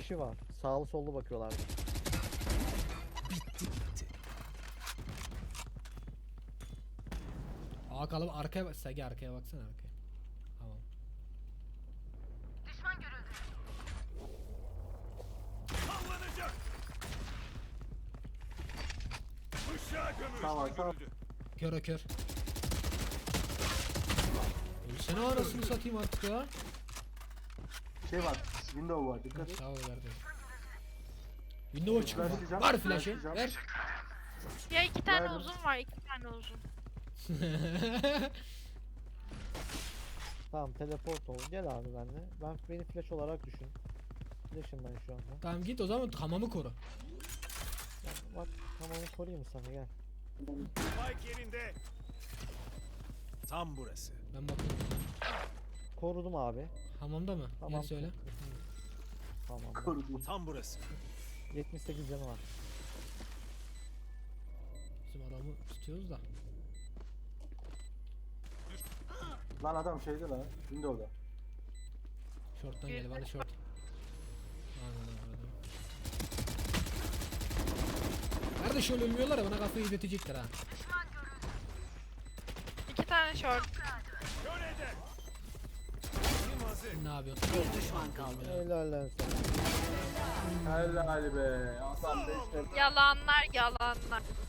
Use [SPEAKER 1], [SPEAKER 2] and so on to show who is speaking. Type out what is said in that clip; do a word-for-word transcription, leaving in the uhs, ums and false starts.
[SPEAKER 1] kişi var. Sağlı sollu bakıyorlar.
[SPEAKER 2] Bitti bitti. Aa kalıp arkaya bak. Sagi arkaya baksana arkaya. Tamam.
[SPEAKER 3] Düşman görüldü.
[SPEAKER 4] Sallanacak. Işığa gömül.
[SPEAKER 5] Tamam tamam.
[SPEAKER 2] Kör o kör. Ölsene arasını satayım artık ya.
[SPEAKER 5] Şey var. Window var. Dikkat et.
[SPEAKER 2] Sağ ol verdim. Windows çıkıyor.
[SPEAKER 5] Flashlayacağım,
[SPEAKER 2] Var flash'ı.
[SPEAKER 5] flashlayacağım.
[SPEAKER 2] Ver.
[SPEAKER 3] Ya iki tane
[SPEAKER 5] Verdim.
[SPEAKER 3] uzun var, iki tane uzun.
[SPEAKER 1] Tamam teleport ol. Gel abi benimle. Ben beni flash olarak düşün. Flash'ım ben şu anda.
[SPEAKER 2] Tamam git o zaman hamamı koru.
[SPEAKER 1] Ben, bak tamam koruyayım sana gel.
[SPEAKER 4] Spike yerinde. Tam burası.
[SPEAKER 2] Ben bakayım.
[SPEAKER 1] Korudum abi.
[SPEAKER 2] Hamamda mı?
[SPEAKER 1] Tamam.
[SPEAKER 2] Yine söyle.
[SPEAKER 1] Tamam.
[SPEAKER 5] Korudum.
[SPEAKER 4] Tam burası.
[SPEAKER 1] yetmiş sekiz canı var.
[SPEAKER 2] Bizim adamı tutuyoruz da.
[SPEAKER 5] Lan adam şeyde lan. Window'da.
[SPEAKER 2] Short'tan geldi bana short. Aynen öyle. Nerede şöyle ölmüyorlar ya bana kafayı yedirtecekler ha.
[SPEAKER 3] İki tane short.
[SPEAKER 4] Kör eder. Kim hazır?
[SPEAKER 2] Ne yapıyorsun?
[SPEAKER 6] Bir düşman kaldı.
[SPEAKER 1] Helal lan sana.
[SPEAKER 5] Helal be. Adam beş
[SPEAKER 3] Yalanlar, yalanlar.